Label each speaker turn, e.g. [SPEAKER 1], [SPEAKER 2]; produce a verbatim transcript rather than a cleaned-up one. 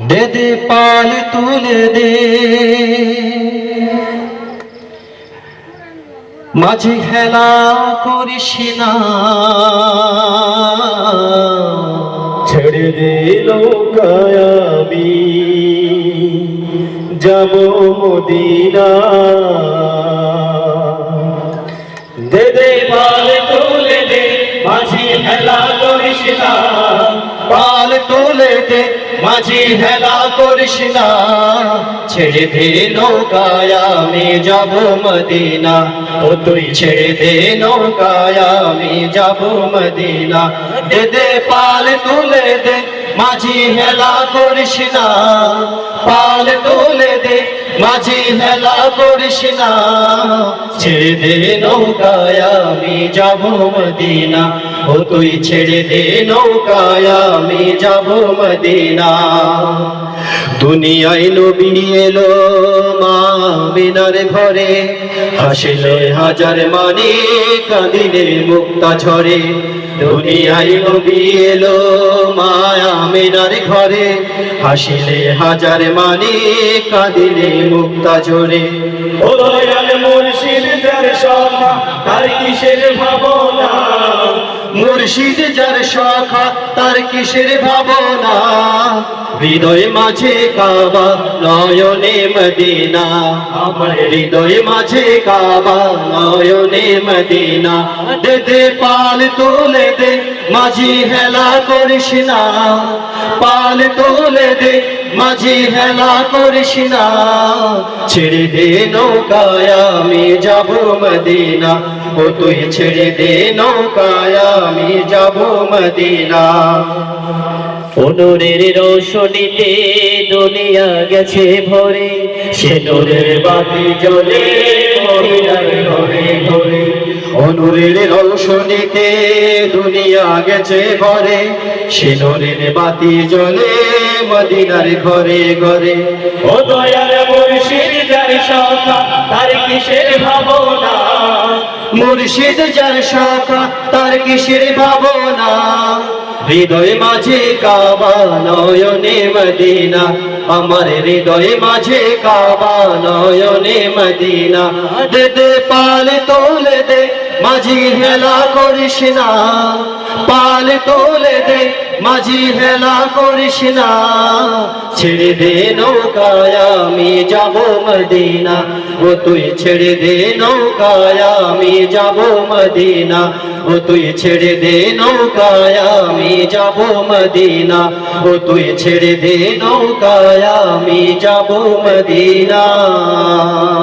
[SPEAKER 1] দে দে পাল তুলে দে মাঝি খেলা করিস না,
[SPEAKER 2] ছেড়ে দে নৌকায় আমি যাব মদিনা।
[SPEAKER 1] দে দে পাল তুলে দে মাঝি খেলা করিস না, পাল তুলে দে মাঝি হেলা করিস না, ছেড়ে দে নৌকায় আমি যাব মদিনা। ও তুই ছেড়ে দে নৌকায় আমি যাব মদিনা। দে দে পাল তুলে দে মাঝি হেলা করিস না, পাল তুলে দে মাঝি হেলা করিস না, ছেড়ে দে নৌকায় আমি যাব মদিনা। ও তুই ছেড়ে দে নৌকায় আমি যাব মদিনা। দুনিয়ায় নবী এলো মা আমিনার ঘরে, হাসিলে হাজার মানি কাঁদিলে মুক্তা ঝরে। দুনিয়ায় নবী এলো মা আমিনার ঘরে, হাসিলে হাজার মানি কাঁদিলে মুক্তা ঝরে।
[SPEAKER 2] ও দয়াল মুর্শিদ যার সখা তার কিসের ভাবনা,
[SPEAKER 1] মুর্শিদ যার সখা তার কিসের ভাবনা, হৃদয় মাঝে কাবা নয়নে মদিনা। আমার হৃদয় মাঝে কাবা নয়নে মদিনা। দে দে পাল তুলে দে মাঝি হেলা করিস না, পাল তুলে দে মাঝি হেলা করিস না, ছেড়ে দে নৌকায় আমি যাব মদিনা। ও তুই ছেড়ে দে নৌকায় আমি যাব মদিনা।
[SPEAKER 2] নূরের রোশনীতে দুনিয়া গেছে ভরে, সে নূরের বাতি জ্বলে মদিনার ঘরে ঘরে।
[SPEAKER 1] নূরের রোশনীতে দুনিয়া গেছে ভরে, সে নূরের বাতি জ্বলে মদিনার ঘরে ঘরে।
[SPEAKER 2] ও দয়াল মুর্শিদ যার সখা তার কিসের ভাবনা,
[SPEAKER 1] মুর্শিদ যার সখা তার কিসের ভাবনা, হৃদয় মাঝে কাবা নয়নে মদিনা। আমার হৃদয় মাঝে কাবা নয়নে মদিনা। দে দে পাল তোলে দে মাঝি হেলা করিস না, পাল তোলে দে মাঝি হেলা করিস না, ছেড়ে দে নৌকায় আমি যাব মদিনা। ও তুই ছেড়ে দে নৌকায় আমি যাব মদিনা। ও তুই ছেড়ে দে নৌকায় আমি যাব মদিনা। ও তুই ছেড়ে দে নৌকায় আমি যাব মদিনা।